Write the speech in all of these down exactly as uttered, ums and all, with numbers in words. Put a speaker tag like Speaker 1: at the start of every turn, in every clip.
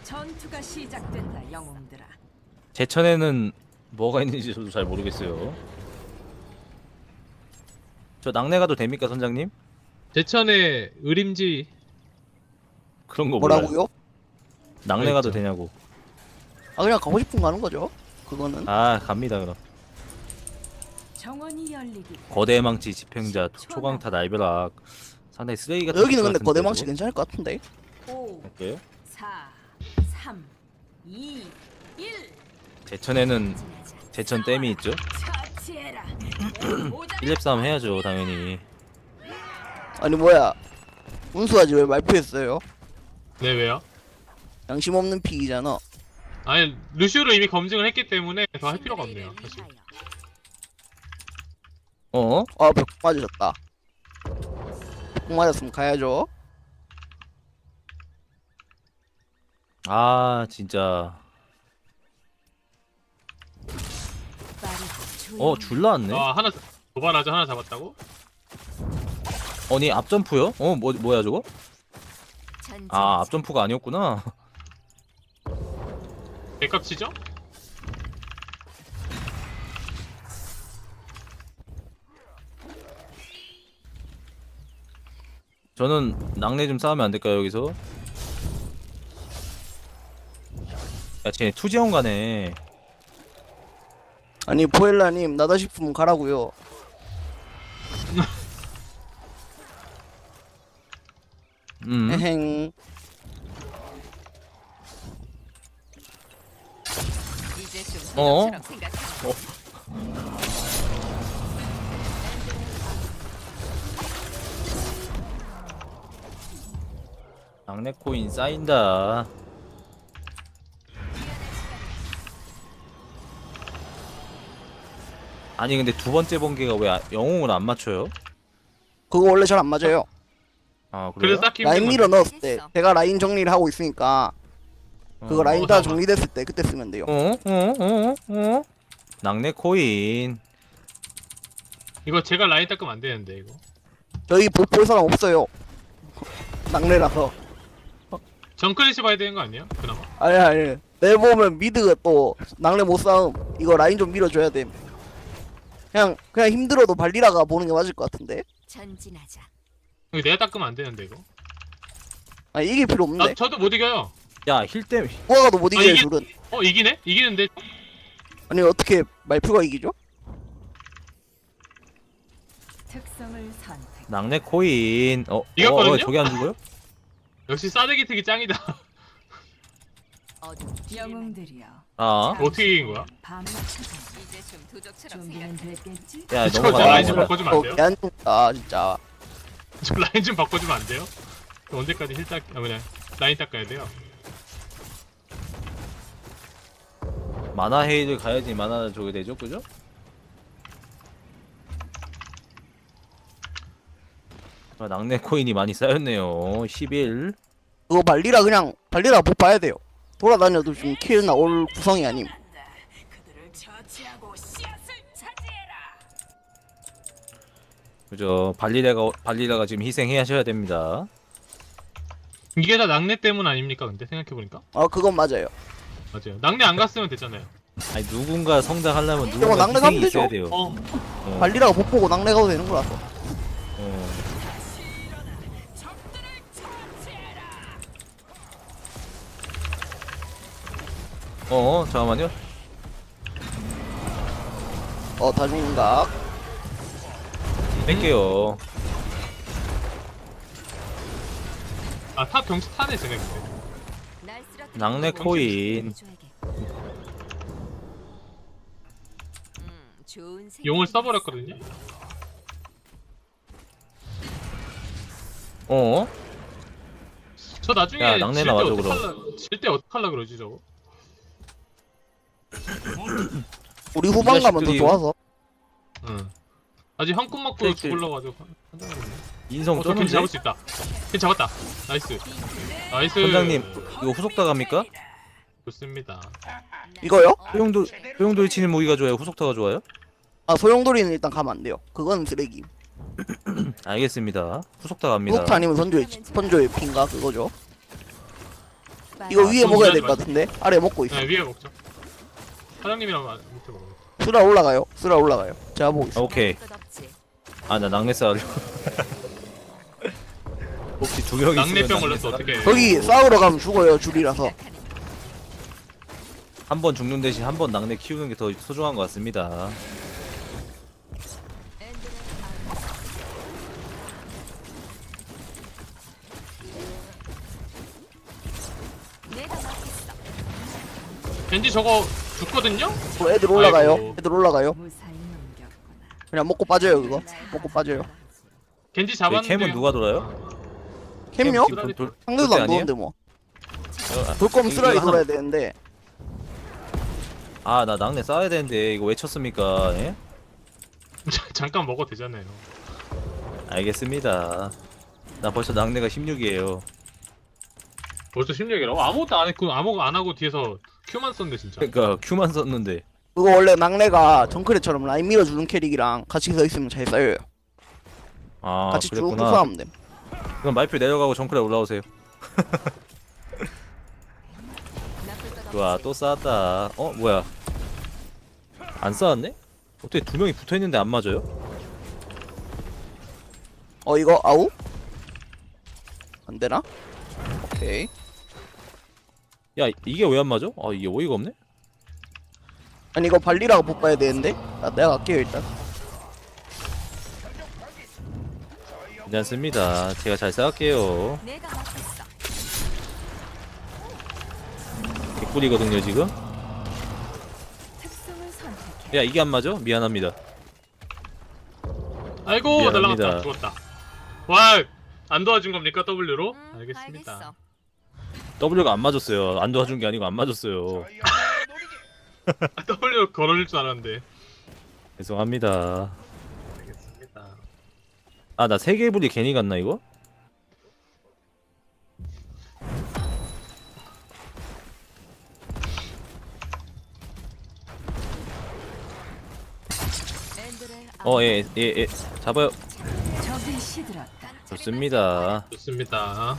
Speaker 1: 전투가 시작된다, 영웅들아.
Speaker 2: 제천에는 뭐가 있는지 저도 잘 모르겠어요. 저 낙내 가도 됩니까, 선장님?
Speaker 3: 제천의 의림지.
Speaker 2: 그런 거 몰라요.
Speaker 4: 뭐라고요?
Speaker 2: 낙내 가도
Speaker 3: 있죠.
Speaker 2: 되냐고.
Speaker 4: 아 그냥 가고 싶은 거 가는 거죠. 그거는.
Speaker 2: 아, 갑니다 그럼.
Speaker 1: 정원이 열리기.
Speaker 2: 거대 망치 집행자 초강타 날벼락. 상당히 쓰레기 같은.
Speaker 4: 여기는
Speaker 2: 것
Speaker 4: 근데
Speaker 2: 같은데,
Speaker 4: 거대 망치
Speaker 2: 저거?
Speaker 4: 괜찮을 것 같은데.
Speaker 1: 오,
Speaker 2: 할게요.
Speaker 1: 사, 삼, 이, 일.
Speaker 2: 제천에는 제천 댐이 있죠.
Speaker 1: 처치해라.
Speaker 2: 일 렙 싸움 해야죠, 당연히.
Speaker 4: 아니 뭐야? 운수하지 왜 말표했어요?
Speaker 3: 네, 왜요?
Speaker 4: 양심 없는 픽이잖아.
Speaker 3: 아니, 루시우를 이미 검증을 했기 때문에 더 할 필요가 없네요, 사실.
Speaker 2: 어?
Speaker 4: 아 벽 맞으셨다. 벽 맞았으면 가야죠.
Speaker 2: 아, 진짜. 어, 줄 나왔네.
Speaker 3: 아, 하나, 도발하자 하나 잡았다고?
Speaker 2: 아니, 앞점프요? 어, 뭐, 뭐야 저거? 아, 앞점프가 아니었구나.
Speaker 3: 백값 치죠?
Speaker 2: 저는 낙내 좀 싸우면 안 될까요, 여기서? 야, 쟤 투지원 가네.
Speaker 4: 아니 포엘라님 나다 싶으면 가라고요.
Speaker 2: 음.
Speaker 4: 에행.
Speaker 1: 이제 좀
Speaker 2: 어?
Speaker 1: 소년처럼 생각해.
Speaker 2: 낙내 코인 쌓인다. 아니 근데 두 번째 번개가 왜 아- 영웅을 안 맞춰요?
Speaker 4: 그거 원래 잘 안 맞아요.
Speaker 2: 아 그래요?
Speaker 3: 그래서 딱히
Speaker 4: 라인
Speaker 3: 힘든
Speaker 4: 밀어
Speaker 3: 건데.
Speaker 4: 넣었을 때 제가 라인 정리를 하고 있으니까 그거
Speaker 2: 어.
Speaker 4: 라인
Speaker 3: 어,
Speaker 4: 다
Speaker 3: 잠깐만.
Speaker 4: 정리됐을 때 그때 쓰면 돼요.
Speaker 2: 어? 어? 어? 어? 낙내 코인.
Speaker 3: 이거 제가 라인 닦으면 안 되는데, 이거.
Speaker 4: 저희 볼, 볼 사람 없어요. 낙내라서.
Speaker 3: 정클리시 봐야 되는 거 아니에요? 그나마?
Speaker 4: 아니 아니. 내 보면 미드가 또 낙내 못 싸움. 이거 라인 좀 밀어줘야 돼. 그냥 그냥 힘들어도 발리라가 보는 게 맞을 것 같은데.
Speaker 1: 전진하자.
Speaker 3: 이거 내가 닦으면 안 되는데, 이거.
Speaker 4: 아 이길 필요
Speaker 3: 나,
Speaker 4: 없는데.
Speaker 3: 저도 못 이겨요.
Speaker 2: 야 힐댐.
Speaker 4: 누가도 못
Speaker 3: 아,
Speaker 4: 이겨요
Speaker 3: 이게-
Speaker 4: 둘은.
Speaker 3: 어, 이기네? 이기는데?
Speaker 4: 아니 어떻게 말표가 이기죠?
Speaker 1: 특성을 선택.
Speaker 2: 낙내 코인. 어? 어,
Speaker 3: 이겼거든요?
Speaker 2: 어 저게 안 죽어요?
Speaker 3: 역시 싸대기 특이 짱이다.
Speaker 1: 어둠 영웅들이여.
Speaker 2: 아.
Speaker 3: 어떻게 이긴 거야?
Speaker 1: 밤을 찾아. 이제 좀 도적처럼 준비는 됐겠지?
Speaker 2: 야
Speaker 3: 저,
Speaker 2: 넘어가.
Speaker 3: 저 라인 좀
Speaker 2: 넘어가.
Speaker 3: 바꿔주면 안 돼요?
Speaker 4: 안 아 진짜.
Speaker 3: 저 라인 좀 바꿔주면 안 돼요? 언제까지 힐 닦, 아, 뭐냐. 라인 닦아야 돼요?
Speaker 2: 만화 헤이를 가야지 만화 저게 되죠, 그죠? 아, 낙내 코인이 많이 쌓였네요. 십일.
Speaker 4: 그거 발리라 그냥 발리라 못 봐야 돼요. 돌아다녀도 지금 킬 나올 구성이 아님.
Speaker 1: 그들을 처치하고 씨앗을 차지해라.
Speaker 2: 그죠? 발리라가 발리라가 지금 희생하셔야 됩니다.
Speaker 3: 이게 다 낙내 때문 아닙니까, 근데? 생각해보니까?
Speaker 4: 아 그건 맞아요.
Speaker 3: 맞아요. 낙내 안 갔으면 됐잖아요.
Speaker 2: 아니 누군가 성장하려면 누군가
Speaker 4: 낙내
Speaker 2: 희생이
Speaker 4: 가면
Speaker 2: 있어야
Speaker 4: 되죠.
Speaker 2: 돼요.
Speaker 3: 어,
Speaker 2: 어,
Speaker 4: 발리라가 못 보고 낙내 가도 되는 거라서.
Speaker 2: 어. 어, 잠깐만요.
Speaker 4: 어 다중각.
Speaker 2: 뺄게요.
Speaker 3: 아, 탑 경치 타네, 쟤네 근데.
Speaker 1: 날 쓰러뜨리는
Speaker 2: 낙내 코인.
Speaker 1: 음, 좋은 생각이
Speaker 3: 용을
Speaker 1: 있어.
Speaker 3: 써버렸거든요?
Speaker 2: 어?
Speaker 3: 저 나중에
Speaker 2: 야, 낙내
Speaker 3: 질 때
Speaker 2: 나와줘,
Speaker 3: 어떡할라, 질때 어떡할라 그러지, 저거?
Speaker 4: 우리 후반 가면 더
Speaker 2: 자식들이-
Speaker 4: 좋아서.
Speaker 3: 응. 아직 한 푼 먹고
Speaker 2: 네,
Speaker 3: 죽을라고 아주 한다는
Speaker 2: 인성
Speaker 3: 어, 저
Speaker 2: 쩌는데?
Speaker 3: 겐지 잡을 수 있다. 겐지 잡았다. 나이스. 나이스.
Speaker 2: 선장님, 이거 후속 다갑니까?
Speaker 3: 좋습니다.
Speaker 4: 이거요?
Speaker 2: 소용돌, 소용돌이 치는 무기가 좋아요? 후속타가 좋아요?
Speaker 4: 아 소용돌이는 일단 가면 안 돼요. 그건 쓰레기.
Speaker 2: 알겠습니다. 후속타 갑니다.
Speaker 4: 후속타 아니면 선조의 선조의 핀가 그거죠. 이거 위에
Speaker 3: 돈
Speaker 4: 먹어야
Speaker 3: 주지
Speaker 4: 될 것
Speaker 3: 마세요.
Speaker 4: 같은데. 아래 먹고 있어.
Speaker 3: 네, 위에 먹죠. 사장님이랑 마- 밑에 먹어요.
Speaker 4: 쓰라 올라가요. 쓰라 올라가요. 제가 보고 있어.
Speaker 2: 오케이. 아 나 낙내 싸우려. 혹시 두 명 있으면
Speaker 3: 낙내병 걸렸어
Speaker 2: 낙내
Speaker 3: 어떻게?
Speaker 4: 거기 싸우러 가면 죽어요. 줄이라서.
Speaker 2: 한번 죽는 대신 한 번 낙내 키우는 게 더 소중한 것 같습니다.
Speaker 1: 내가 맡겠어.
Speaker 3: 겐지 저거 죽거든요?
Speaker 4: 어, 애들 올라가요.
Speaker 3: 아이고.
Speaker 4: 애들 올라가요.
Speaker 1: 무사히 넘겼구나.
Speaker 4: 그냥 먹고 빠져요 그거. 먹고 빠져요.
Speaker 3: 겐지
Speaker 2: 저희
Speaker 3: 잡았는데.
Speaker 2: 캠은 누가 돌아요?
Speaker 4: 캠요?
Speaker 2: 캠 지금 돌-
Speaker 4: 상대도
Speaker 2: 돌
Speaker 4: 안
Speaker 2: 때 아니에요?
Speaker 4: 도는데 뭐.
Speaker 2: 어,
Speaker 4: 돌 거면
Speaker 2: 이거
Speaker 4: 쓰라리
Speaker 2: 하나-
Speaker 4: 돌아야 되는데.
Speaker 2: 아 나 낙내 싸야 되는데 이거 왜 쳤습니까? 예?
Speaker 3: 잠깐 먹어도 되잖아요.
Speaker 2: 알겠습니다. 나 벌써 낙내가 십육이에요.
Speaker 3: 벌써 십육이라고? 아무것도 안 했고 아무것도 안 하고 뒤에서 Q만 썼는데 진짜.
Speaker 2: 그러니까 Q만 썼는데.
Speaker 4: 그거 원래 낙내가 정크레처럼 라인 밀어주는 캐릭이랑 같이 서 있으면 잘 쌓여요.
Speaker 2: 아
Speaker 4: 같이 쭉
Speaker 2: 그랬구나.
Speaker 4: 싸우면 돼.
Speaker 2: 그럼 말표 내려가고 정크레 올라오세요.
Speaker 1: 나쁠 것
Speaker 2: 좋아
Speaker 1: 없지.
Speaker 2: 또 쌓았다. 어 뭐야? 안 쌓았네? 어떻게 두 명이 붙어 있는데 안 맞아요?
Speaker 4: 어 이거 아우? 안 되나? 오케이.
Speaker 2: 야 이게 왜 안 맞아? 아 이게 어이가 없네.
Speaker 4: 아니 이거 발리라가 못 봐야 되는데. 나 내가 갈게요 일단.
Speaker 2: 괜찮습니다. 제가 잘 쌓을게요.
Speaker 1: 내가 맡겠어.
Speaker 2: 개꿀이거든요 지금.
Speaker 1: 특성을 선택해.
Speaker 2: 야 이게 안 맞아? 미안합니다.
Speaker 3: 아이고
Speaker 2: 미안합니다.
Speaker 3: 날라갔다 죽었다. 와 안 도와준 겁니까 W로?
Speaker 1: 음,
Speaker 3: 알겠습니다.
Speaker 1: 알겠어.
Speaker 2: W가 안 맞았어요. 안 도와준 게 아니고 안 맞았어요.
Speaker 3: 아, W 걸어줄 줄 알았는데.
Speaker 2: 죄송합니다.
Speaker 3: 알겠습니다.
Speaker 2: 아 나 세계불이 괜히 갔나 이거?
Speaker 1: 앤드레
Speaker 2: 어 예 예 예 잡아요.
Speaker 1: 적이 시들었다.
Speaker 2: 좋습니다.
Speaker 3: 좋습니다.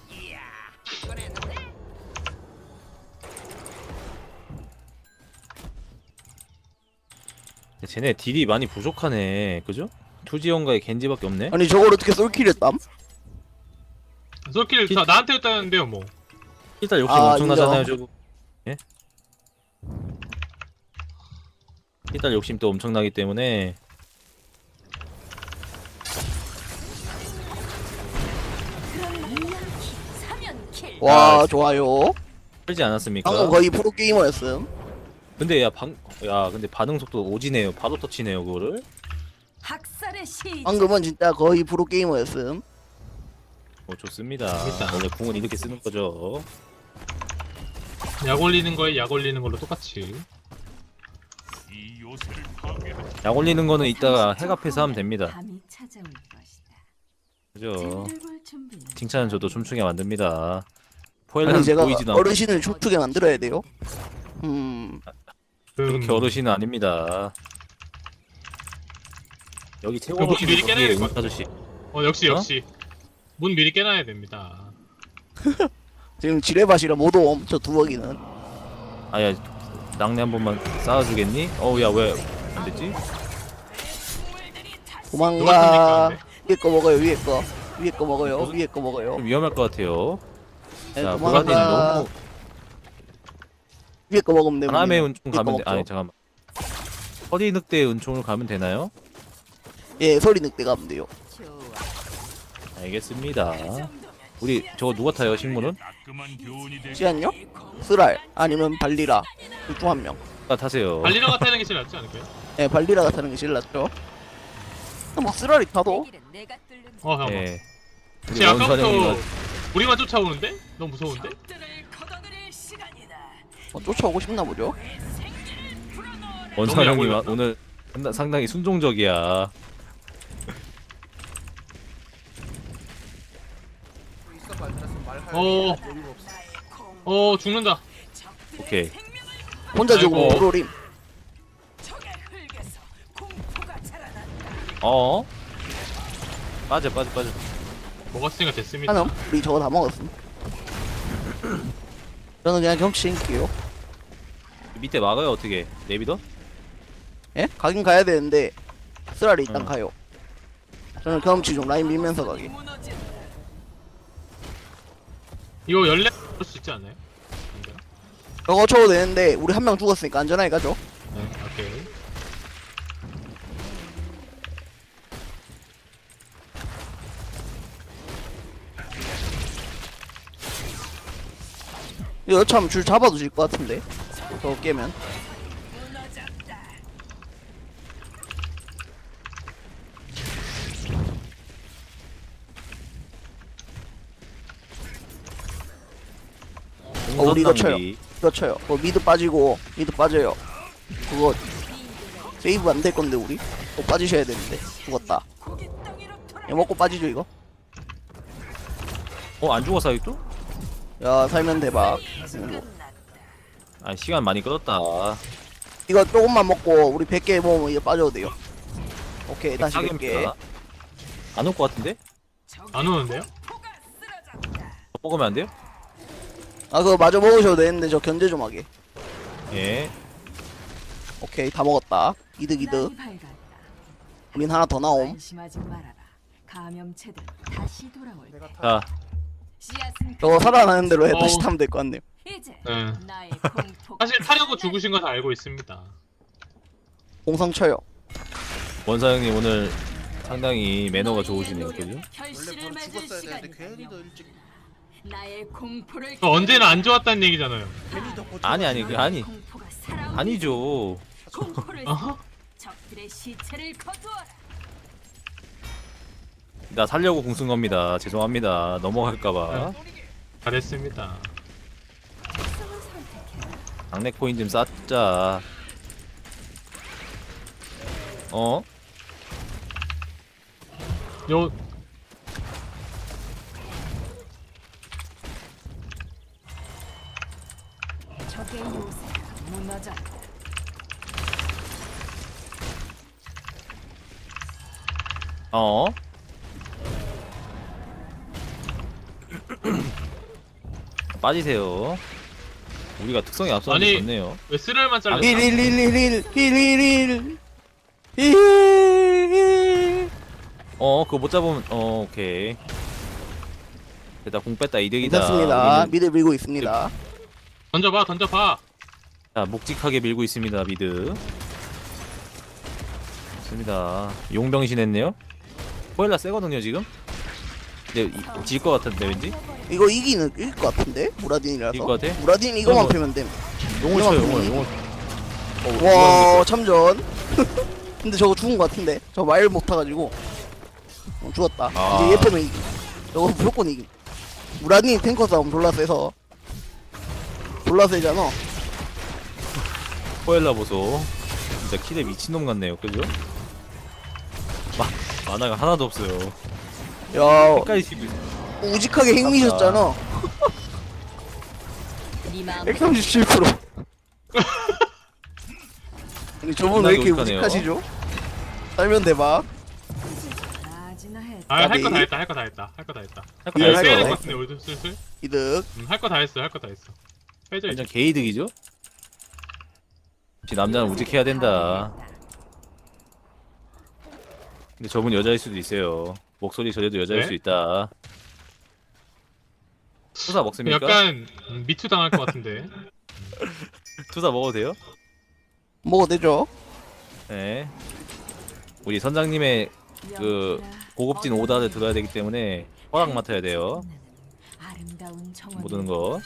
Speaker 2: 쟤네 딜이 많이 부족하네. 그죠? 투지원가에 겐지밖에 없네.
Speaker 4: 아니 저걸 어떻게 솔킬했담?
Speaker 3: 솔킬 다 나한테 했다는데요 뭐.
Speaker 2: 일단 욕심
Speaker 4: 아,
Speaker 2: 엄청나잖아요
Speaker 4: 인정.
Speaker 2: 저거. 예? 일단 욕심 또 엄청나기 때문에
Speaker 1: 사면 킬.
Speaker 4: 와
Speaker 2: 아,
Speaker 4: 좋아요.
Speaker 2: 풀지 않았습니까?
Speaker 4: 방금 거의 프로 게이머였음.
Speaker 2: 근데 야 방 야 근데 반응 속도 오지네요. 바로 터치네요 그거를.
Speaker 1: 학살의 시.
Speaker 4: 방금은 진짜 거의 프로 게이머였음.
Speaker 2: 어 좋습니다.
Speaker 3: 재밌다.
Speaker 2: 원래 궁은 이렇게 쓰는 거죠.
Speaker 3: 약 올리는 거에 약 올리는 걸로 똑같이.
Speaker 2: 약 올리는 거는 이따가 핵 앞에서 하면 됩니다.
Speaker 1: 밤이 찾아올 것이다.
Speaker 2: 그죠?
Speaker 1: 쟤를 볼 준비는
Speaker 2: 칭찬은 저도 춤추게 만듭니다.
Speaker 4: 아니
Speaker 2: 포엘은
Speaker 4: 제가
Speaker 2: 보이지도 않고
Speaker 4: 어르신을 춤추게 만들어야 돼요. 음
Speaker 2: 그렇게 어르신은 아닙니다. 여기 최고
Speaker 3: 그 문
Speaker 2: 어르신이
Speaker 3: 미리 깨놔야
Speaker 2: 거기에
Speaker 3: 될것
Speaker 2: 은 아저씨.
Speaker 3: 어 역시
Speaker 2: 어?
Speaker 3: 역시 문 미리 깨놔야 됩니다.
Speaker 4: 지금 지뢰밭이라 못 옴. 저 두벅이는.
Speaker 2: 아야 낙내 한 번만 쌓아주겠니? 어우 야 왜 안 됐지?
Speaker 4: 도망가.
Speaker 3: 누가
Speaker 4: 위에 거 먹어요. 위에 거. 위에 거 먹어요. 위에 거 먹어요.
Speaker 2: 좀 위험할 것 같아요.
Speaker 4: 네,
Speaker 2: 자 보라딘
Speaker 4: 도망가.
Speaker 2: 너무
Speaker 4: 위에 거 먹으면 되고.
Speaker 2: 바람의 은총
Speaker 4: 위에 거
Speaker 2: 가면 돼.
Speaker 4: 먹죠.
Speaker 2: 아니 잠깐만. 허리 늑대 은총을 가면 되나요?
Speaker 4: 예, 소리 늑대 가면 돼요.
Speaker 1: 좋아.
Speaker 2: 알겠습니다. 우리 저거 누가 타요 식물은?
Speaker 4: 시안요? 쓰랄 아니면 발리라 둘 중 한 명.
Speaker 2: 아 타세요.
Speaker 3: 발리라가 타는 게 제일 낫지 않을까요?
Speaker 4: 예, 발리라가 타는 게 제일 낫죠. 뭐 쓰랄이 타도
Speaker 1: 내 길은 내가 뚫는
Speaker 3: 어 잠깐만.
Speaker 2: 예. 우리
Speaker 3: 제 아까부터
Speaker 2: 원사령이가
Speaker 3: 우리만 쫓아오는데? 너무 무서운데?
Speaker 4: 뭐 쫓아오고 싶나 보죠.
Speaker 2: 원사령이
Speaker 3: 너무
Speaker 2: 와-
Speaker 3: 약올렸다.
Speaker 2: 오늘 상당- 상당히 순종적이야.
Speaker 3: 어. 어 죽는다.
Speaker 2: 오케이.
Speaker 4: 혼자 죽으면
Speaker 3: 아이고.
Speaker 4: 프로림.
Speaker 2: 어? 빠져 빠져 빠져.
Speaker 3: 먹었으니까 됐습니다.
Speaker 4: 하남 우리 저거 다 먹었음. 저는 그냥 경치 챙길게요.
Speaker 2: 밑에 막아요 어떻게? 내비더?
Speaker 4: 예? 가긴 가야 되는데 쓰라리 일단
Speaker 2: 응.
Speaker 4: 가요. 저는 경험치 좀 라인 밀면서 가게.
Speaker 3: 이거 열레 할 수 있지 않나요? 안 돼요?
Speaker 4: 저거 쳐도 되는데 우리 한 명 죽었으니까 안전하게 가죠.
Speaker 3: 네, 오케이.
Speaker 4: 이거 참 줄 잡아도 질 것 같은데. 저거 깨면. 어, 우리 이거 쳐요. 이거 쳐요. 어, 미드 빠지고 미드 빠져요. 그거 세이브 안 될 건데 우리. 또 빠지셔야 되는데 죽었다. 야, 먹고 빠지죠 이거.
Speaker 2: 어안 죽었어 아직도?
Speaker 4: 야 살면 대박.
Speaker 2: 아 시간 많이 끌었다.
Speaker 4: 이거 조금만 먹고 우리 백 개 모으면 이거 빠져도 돼요. 오케이 다시 백 개.
Speaker 2: 안올 것 같은데?
Speaker 3: 안 오는데요?
Speaker 2: 더 먹으면 안 돼요?
Speaker 4: 아 그거 마저 먹으셔도 되는데 저 견제 좀 하게.
Speaker 2: 예.
Speaker 4: 오케이 다 먹었다. 이득 이득. 우린 하나 더 나옴.
Speaker 1: 안심하지 말아라. 감염체들 다시 돌아올 때
Speaker 2: 자
Speaker 1: 씨앗은
Speaker 4: 저거 살아나는 대로 해
Speaker 3: 어우.
Speaker 4: 다시 타면 될 것 같네요.
Speaker 1: 이제
Speaker 3: 네.
Speaker 1: 나의 공포
Speaker 3: 사실 타려고 죽으신 거 다 알고 있습니다.
Speaker 4: 공성 쳐요.
Speaker 2: 원사 형님 오늘 상당히 매너가 좋으시네요, 그죠?
Speaker 1: 결실을 맺을 시간이다. 나의 공포를
Speaker 3: 어, 언제나 안 좋았다는 얘기잖아요.
Speaker 2: 아니 아니 그 아니
Speaker 1: 공포가 살아오는
Speaker 2: 아니죠.
Speaker 1: 공포를
Speaker 3: 어허?
Speaker 1: 적들의 시체를 거두어라.
Speaker 2: 나 살려고 궁쓴 겁니다. 죄송합니다. 넘어갈까봐.
Speaker 3: 잘했습니다.
Speaker 1: 특성을 선택해라.
Speaker 2: 강내 코인 좀 쌓자. 어?
Speaker 3: 요
Speaker 1: 적의 요새가 무너졌다.
Speaker 2: 어? 빠지세요. 우리가 특성이 앞서는 게
Speaker 3: 아니.
Speaker 2: 좋네요.
Speaker 3: 왜 쓰랄만 잘렸어?
Speaker 4: 힐힐힐힐힐힐힐힐 힐.
Speaker 2: 어, 그거 못 잡으면 어, 오케이. 됐다, 공 뺐다, 이득이다.
Speaker 4: 괜찮습니다.
Speaker 2: 우리는-
Speaker 4: 미드 밀고 있습니다.
Speaker 3: 던져봐, 던져봐.
Speaker 2: 자, 묵직하게 밀고 있습니다, 미드. 좋습니다. 용병신 했네요. 포엘라 세거든요, 지금. 근데 질 것 같은데, 왠지?
Speaker 4: 이거 이기는 이길 것 같은데 무라딘이라서.
Speaker 2: 이길 것 같아?
Speaker 4: 무라딘 이거만
Speaker 2: 그럼 뭐-
Speaker 4: 패면 됨.
Speaker 2: 용을
Speaker 4: 용을
Speaker 2: 쳐요,
Speaker 4: 패면
Speaker 2: 용을,
Speaker 4: 이기.
Speaker 2: 용을. 어,
Speaker 4: 와 참전. 근데 저거 죽은 것 같은데. 저 말 못 타가지고 어, 죽었다.
Speaker 2: 아.
Speaker 4: 이제 얘 패면 이기. 저거 무조건 이기. 무라딘 탱커 싸움 졸라 세서 졸라 세잖아.
Speaker 2: 포엘라 보소. 진짜 키대 미친놈 같네요, 그죠? 마, 만화가 하나도 없어요.
Speaker 4: 야
Speaker 2: 색깔이 지금
Speaker 4: 우직하게 핵미셨잖아.
Speaker 1: 네 마음
Speaker 4: 백삼십칠 퍼센트. 아니 저분 왜 이렇게
Speaker 2: 겁나게
Speaker 4: 우직하시죠? 살면 대박.
Speaker 1: 아지나 해.
Speaker 3: 아, 할 거
Speaker 4: 까비.
Speaker 3: 다 했다, 할 거 다 했다, 할 거 다 했다.
Speaker 2: 할거
Speaker 4: 예,
Speaker 2: 다
Speaker 4: 할
Speaker 3: 빼야
Speaker 4: 거
Speaker 3: 될
Speaker 4: 다
Speaker 3: 것
Speaker 2: 했어요.
Speaker 3: 같은데, 우리도 슬슬.
Speaker 4: 이득.
Speaker 3: 음, 할 거 다 했어, 할 거 다 했어. 빼자 이제.
Speaker 2: 완전 개이득이죠? 역시 남자는 우직해야 된다. 근데 저분 여자일 수도 있어요. 목소리 저래도 여자일
Speaker 3: 네?
Speaker 2: 수 있다. 투사 먹습니까?
Speaker 3: 약간 음, 미투 당할 것 같은데.
Speaker 2: 투사 먹어도 돼요?
Speaker 4: 먹어도 되죠?
Speaker 2: 네. 우리 선장님의 그 고급진 오다를 들어야 되기 때문에 허락 맡아야 돼요.
Speaker 1: 아름다운 정원.
Speaker 2: 못 오는 거.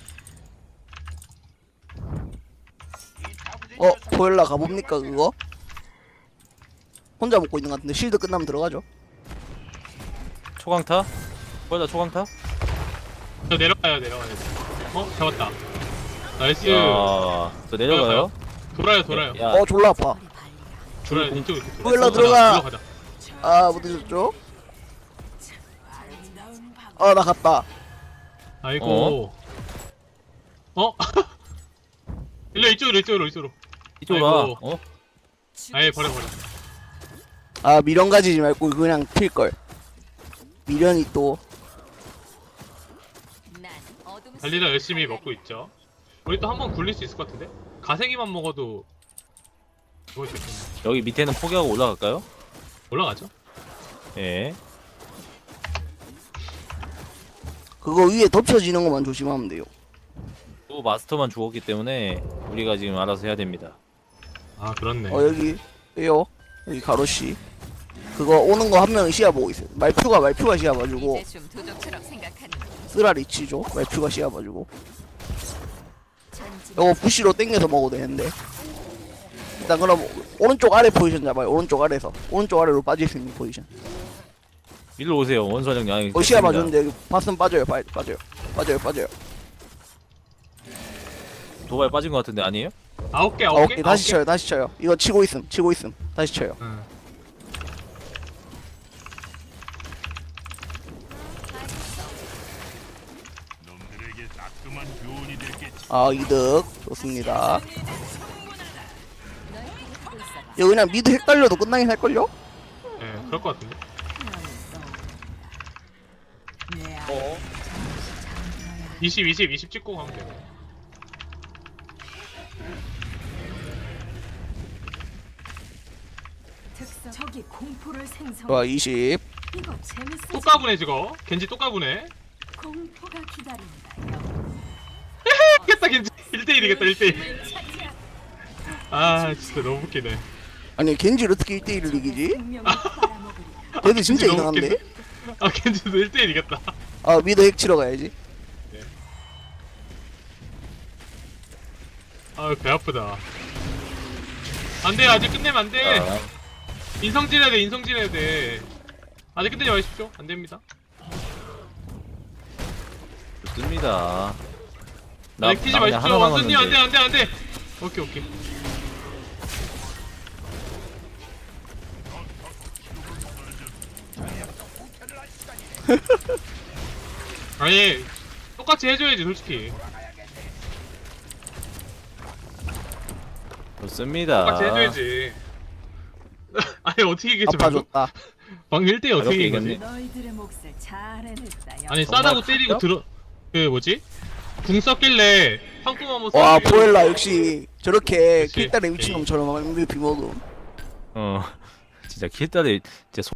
Speaker 4: 어 보일라 가봅니까 그거? 혼자 먹고 있는 것 같은데 실드 끝나면 들어가죠.
Speaker 2: 초강타? 거기다 초강타?
Speaker 3: 저 내려가요, 내려가요. 어, 잡았다. 나이스.
Speaker 2: 야, 저 내려가요?
Speaker 3: 돌아요, 돌아요.
Speaker 2: 야,
Speaker 4: 어 졸라 아파.
Speaker 3: 돌아요, 이쪽 이렇게. 돌아.
Speaker 4: 보일러 들어가.
Speaker 3: 들어가자.
Speaker 4: 아못 드셨죠? 아 나 갔다.
Speaker 3: 아이고. 어? 일로 이쪽으로, 이쪽으로, 이쪽으로.
Speaker 2: 이쪽으로 와.
Speaker 3: 아이고.
Speaker 2: 어?
Speaker 3: 아예 버려, 버려.
Speaker 4: 아 미련 가지지 말고 그냥 튈 걸. 미련이 또
Speaker 1: 난 어둠
Speaker 3: 달리다
Speaker 1: 속의
Speaker 3: 열심히
Speaker 1: 칼날이.
Speaker 3: 먹고 있죠. 우리 또 한 번 굴릴 수 있을 것 같은데? 가생이만 먹어도 그거 있겠네.
Speaker 2: 여기 밑에는 포기하고 올라갈까요?
Speaker 3: 올라가죠.
Speaker 2: 예.
Speaker 4: 그거 위에 덮여지는 것만 조심하면 돼요.
Speaker 2: 또 마스터만 죽었기 때문에 우리가 지금 알아서 해야 됩니다.
Speaker 3: 아 그렇네.
Speaker 4: 어 여기 에요 여기 가로씨 그거 오는 거 한 명이 시야 보고 있어요. 말표가 말표가 시야 봐주고
Speaker 1: 이제 좀 도적처럼 생각하는
Speaker 4: 쓰라 리치죠. 말표가 시야 봐주고
Speaker 1: 전진.
Speaker 4: 요거 부시로 땡겨서 먹어도 되는데 일단 그럼 오른쪽 아래 포지션 잡아요. 오른쪽 아래에서 오른쪽 아래로 빠질 수 있는 포지션.
Speaker 2: 일로 오세요. 원선형 양이.
Speaker 4: 어 시야 봐주는데 여기 봤으면 빠져요. 빠, 빠져요. 빠져요. 빠져요.
Speaker 2: 도발 빠진 것 같은데 아니에요?
Speaker 3: 아홉 개
Speaker 4: 아,
Speaker 3: 아홉 개.
Speaker 4: 오케이 다시 쳐요. 다시 쳐요. 이거 치고 있음. 치고 있음. 다시 쳐요.
Speaker 3: 응.
Speaker 4: 아 이득 좋습니다.
Speaker 1: 너희들이 하고 있어.
Speaker 4: 여기 그냥 미드 핵 달려도 끝나긴 할걸요?
Speaker 3: 예, 그럴 것 같은데.
Speaker 2: 어.
Speaker 3: 이십, 이십, 이십 찍고 가면 돼.
Speaker 5: 적이 공포를 생성.
Speaker 4: 좋아 이십.
Speaker 5: 이거 재밌어.
Speaker 3: 또 까부네 저거. 겐지 또 까부네.
Speaker 5: 공포가 기다린다.
Speaker 3: 이겼다 겐지. 일 대 일이겠다 일 대 일. 아 진짜 너무 웃기네.
Speaker 4: 아니 겐지를 어떻게 일 대 일을 이기지?
Speaker 5: 생명을 빨아먹으리라.
Speaker 4: 걔들 진짜
Speaker 3: 겐지 너무
Speaker 4: 이상한데?
Speaker 3: 웃기네. 아 겐지도 일 대 일 이겼다.
Speaker 4: 아 미드 핵 치러 가야지.
Speaker 3: 아배 아프다. 안돼 아직 끝내면 안돼.
Speaker 2: 아,
Speaker 3: 인성질 해야 돼 인성질 해야 돼. 아직 끝내지 마십시오. 안됩니다.
Speaker 2: 좋습니다. 나,
Speaker 3: 아직 뛰지
Speaker 2: 나 그냥
Speaker 3: 마십시오.
Speaker 2: 하나
Speaker 3: 원수님 안돼
Speaker 2: 남았는데.
Speaker 3: 안돼 안돼. 오케이 오케이. 아니 똑같이 해줘야지 솔직히.
Speaker 2: 좋습니다.
Speaker 3: 똑같이 해줘야지. 아니 어떻게 이기지?
Speaker 4: 아파줬다.
Speaker 3: 방금 일 대 일 어떻게
Speaker 2: 어렵게
Speaker 3: 이긴 거지?
Speaker 2: 이겼네.
Speaker 5: 너희들의 몫을 잘 해냈다.
Speaker 3: 아니
Speaker 2: 정말
Speaker 3: 싸다고 때리고
Speaker 2: 가볍?
Speaker 3: 들어 그 뭐지? 궁 썼길래 황금 한번
Speaker 4: 와
Speaker 3: 쏘고
Speaker 4: 포엘라 역시 저렇게
Speaker 3: 그치.
Speaker 4: 킬달의 미친놈처럼 엠브이피 먹음.
Speaker 2: 어. 진짜 킬달에 진짜